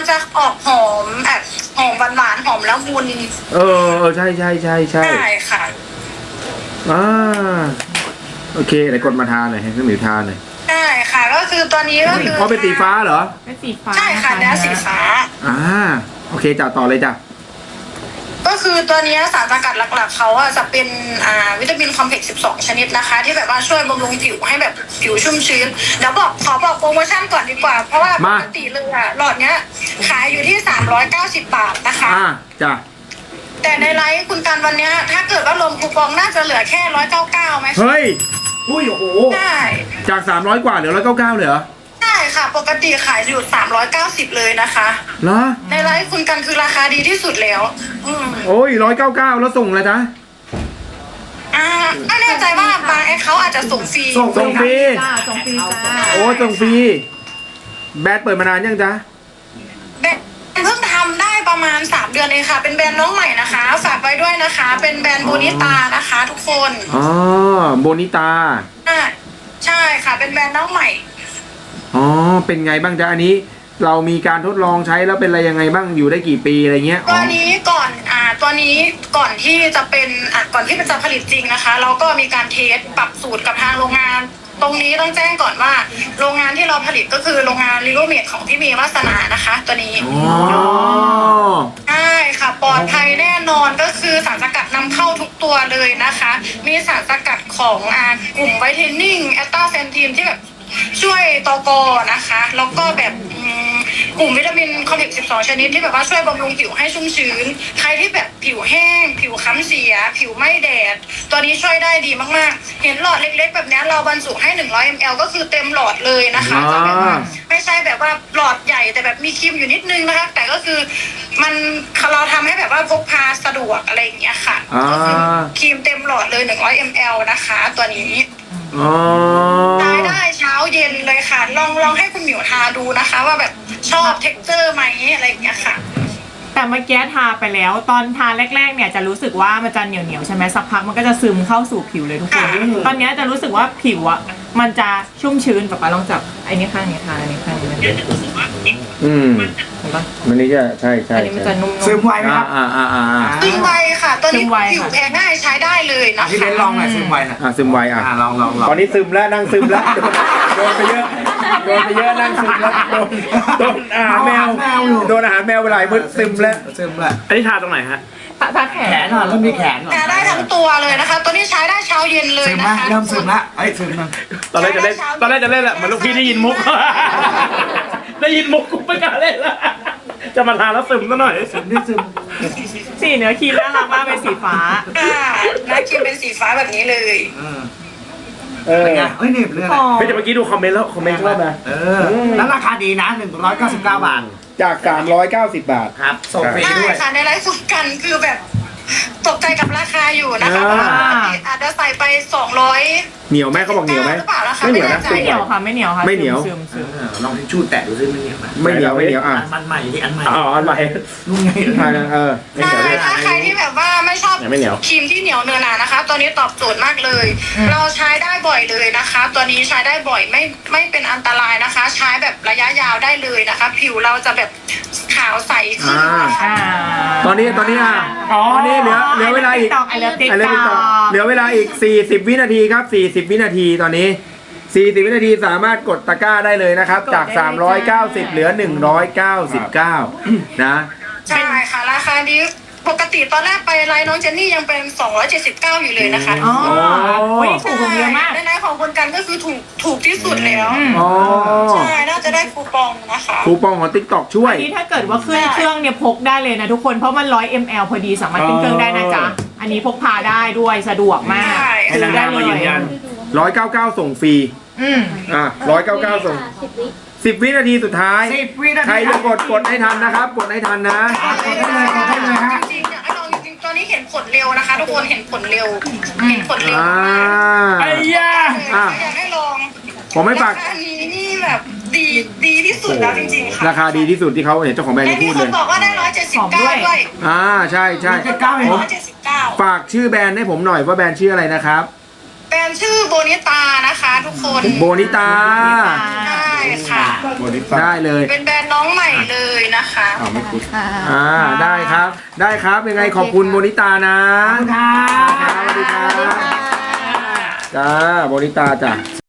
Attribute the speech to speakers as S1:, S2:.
S1: มันจะออกหอมแบบหอมหวานๆหอมละมุน
S2: ใช่
S1: ใช่ค่ะ
S2: โอเคไหนกดมาทานหน่อยให้พี่หมิวทานหน่อย
S1: ใช่ค่ะก็คือตัวนี้ก็คือ
S2: เพราะเป็นสีฟ้าเหรอ
S3: เป็นสีฟ้า
S1: ใช่ค่ะเนื้อสีฟ้า
S2: โอเคจ้ะต่อเลยจ้ะ
S1: ก็คือตัวนี้สารสกัดหลักๆเขาอะจะเป็นวิตามินคอมเพล็กซ์12 ชนิดนะคะ ที่แบบว่าช่วยบำรุงผิวให้แบบผิวชุ่มชื้นเดี๋ยวขอบอกโปรโมชั่นก่อนดีกว่า เพราะว่าปกติเลยอะหลอดเนี้ยขายอยู่ที่390 บาทนะคะ
S2: จ้ะ
S1: แต่ในไลฟ์คุณกันวันเนี้ยถ้าเกิดว่ารวมคูปองน่าจะเหลือแค่199ไหม
S2: เฮ้ยอุ้ยโอ้โห
S1: ใช่
S2: จาก300กว่าเหลือ199เลยเหรอ
S1: ใช่ค่ะปกติขายอยู่390เลยนะคะ
S2: เหรอ
S1: ในไลฟ์คุณกันคือราคาดีที่สุดแล้ว
S2: โอ้ย199แล้วส่งเลยจ้ะ
S1: ไม่แน่ใจว่าบางเขาอาจจะส่งฟรี
S2: ส่งฟรี
S3: ส่งฟรีจ้า
S2: โอ้ส่งฟรีแบรนด์เปิดมานานยังจ๊ะ
S1: แบรนด์เพิ่งทำได้ประมาณ3 เดือนเองค่ะเป็นแบรนด์น้องใหม่นะคะฝากไว้ด้วยนะคะเป็นแบรนด์โบนิตานะคะทุกคน
S2: โบนิตา
S1: ใช่ค่ะเป็นแบรนด์น้องใหม่
S2: เป็นไงบ้างจ๊ะอันนี้เรามีการทดลองใช้แล้วเป็นอะไรยังไงบ้างอยู่ได้กี่ปีอะไรเงี้ย
S1: ตัวนี้ก่อนที่จะเป็นก่อนที่จะผลิตจริงนะคะเราก็มีการเทสปรับสูตรกับทางโรงงานตรงนี้ต้องแจ้งก่อนว่าโรงงานที่เราผลิตก็คือโรงงานลิโลเมดของพี่เมย์วาสนานะคะตัวนี้ใช่ค่ะปลอดภัยแน่นอนก็คือสารสกัดนำเข้าทุกตัวเลยนะคะมีสารสกัดของกลุ่มไวท์เทนนิ่งแอตตาเซนทีนที่แบบช่วยตกนะคะแล้วก็แบบกลุ่มวิตามินคอมเพล็กซ์12 ชนิดที่แบบว่าช่วยบำรุงผิวให้ชุ่มชื้นใครที่แบบผิวแห้งผิวค้ำเสียผิวไม่แดดตัวนี้ช่วยได้ดีมากๆเห็นหลอดเล็กๆแบบนี้เราบรรจุให้100 ml ก็คือเต็มหลอดเลยนะคะจะแบบว่าไม่ใช่แบบว่าหลอดใหญ่แต่แบบมีครีมอยู่นิดนึงนะคะแต่ก็คือเราทำให้แบบว่าพกพาสะดวกอะไรอย่างเงี้ยค่ะก็คือครีมเต็มหลอดเลย100 ml นะคะตัวนี้ใช้ได้เช้าเย็นเลยค่ะลองให้คุณหมิวทาดูนะคะว่าแบบชอบเท็กเจอร์ไหมอะไรอย่างเงี้ยค่ะ
S3: แต่เมื่อกี้ทาไปแล้วตอนทาแรกๆเนี่ยจะรู้สึกว่ามันจะเหนียวใช่ไหมสักพักมันก็จะซึมเข้าสู่ผิวเลยทุกคนตอนนี้จะรู้สึกว่าผิวอ่ะมันจะชุ่มชื้นแบบลองจับไอ้นี่ข้างนี้ทาอันนี้ข้างนี้มัน
S2: มันนี่จะใช่
S3: อันนี้มันจะนุ่ม
S4: ซึมไวไหมครับ
S1: ซึมไวค่ะตัวนี้ผิวแพ้ง่ายใช้ได้เลยนะคะ
S4: ที่เบนลองหน่อยซึมไวนะ
S2: ซึมไว
S4: ลอง
S2: ตอนนี้ซึมแล้วนั่งซึมแล้วโดนไปเยอะนั่งซึมแล้วโดนอาหารแมวโดนอาหารแมวไปหลายมื้อซึมแล้วอันนี้ทาตรงไหนฮะ
S3: ทาแขน
S4: เริ่มมีแขน
S1: ได้ทั้งตัวเลยนะคะตัวนี้ใช้ได้เช้าเย็นเลยนะคะ
S4: เริ่มซึมละซึมละ
S2: ตอนแรกจะเล่นแหละเหมือนลูกพี่ได้ยินมุกกูไม่กล้าเล่นละจะมาทาแล้วซึมซะหน่อย
S4: ซึม
S3: สีเนื้อครีมน่ารักมากเป็นสีฟ้า
S1: หน้าครีมเป็นสีฟ้าแบบนี้เลย
S4: ไงเหน็บเลย
S2: พี่จะเมื่อกี้ดูคอมเมนต์แล้วคอมเมนต์ชอบนะ
S4: แล้วราคาดีนะ199 บาท
S2: จาก390 บาท
S4: ครับส่งฟรีด้วย
S1: ค่ะในไลฟ์สุดกันคือแบบตกใจกับราคาอยู่นะคะอาจจะใส่ไป200
S2: เหนียวไหมเขาบอกเหนียวไหม
S1: ไม่เหนียว
S3: นะไม่เหนียวค่ะไม่เหนียวค่ะ
S2: ไม่เหนียว
S4: ลองทิชชู่แตะดูซิไม่เหนียว
S2: ไม่เหนียว
S4: มันใหม่ที่อันใหม่
S2: อันใหม่
S4: นู่นไง
S1: ถ้าใครที่แบบว่าไม่ชอบครีมที่เหนียวเนื้อหนานะคะตัวนี้ตอบโจทย์มากเลยเราใช้ได้บ่อยเลยนะคะตัวนี้ใช้ได้บ่อยไม่เป็นอันตรายนะคะใช้แบบระยะยาวได้เลยนะคะผิวเราจะแบบขาวใสขึ้น
S2: ตอนนี้ตอนนี้เหลือเวลาอีกเหลือเวลาอีก40 วินาทีครับ40 วินาทีตอนนี้40 วินาทีสามารถกดตะกร้าได้เลยนะครับจาก390เหลือ199นะ
S1: ใช่ค่ะราคานี้ปกติตอนแรกไปไลน์น้องเจนนี่ยังเป็น279อยู่เลยนะคะ
S3: ถูกเยอะมาก
S1: ในของคนกันก็คือถูกที่สุดแล้วใช่น่าจะได้คูปองนะคะ
S2: คูปองของ TikTok ช่วย
S3: อันนี้ถ้าเกิดว่าขึ้นเครื่องเนี่ยพกได้เลยนะทุกคนเพราะมัน100 ml พอดีสามารถขึ้นเครื่องได้นะจ๊ะอันนี้พกพาได้ด้วยสะดวกมากซื้อได้เลย
S2: 199ส่งฟรี199ส่ง10 วินาทีสุดท้ายใครจะกดให้ทันนะครับกดให้ทันนะ
S1: กดได้เลยฮะจริงอยากให้ลองจริงตอนนี้เห็นผลเร็วนะคะทุกคนเห็นผลเร็ว
S2: ไอ้ย่า
S1: อยากให้ลอง
S2: ผมไม่ฝาก
S1: อันนี้นี่แบบดีที่สุดแล้วจริงๆค่ะ
S2: ราคาดีที่สุดที่เขาเห็นเจ้าของแบรนด์พูดเลย
S1: มีคนบอกว่าได้179ด้วย
S2: ใช่ฝากชื่อแบรนด์ให้ผมหน่อยว่าแบรนด์ชื่ออะไรนะครับ
S1: แบรนด์ชื่อโบนิตานะคะทุกคน
S2: โบนิตา
S1: ค่ะ
S2: ได้เลย
S1: เป็นแบรนด์น้องใหม่เลยนะคะ
S2: ได้ครับ ได้ครับยังไงขอบคุณโมนิตานะสวัสดีครับจ้าโมนิตาจ้ะ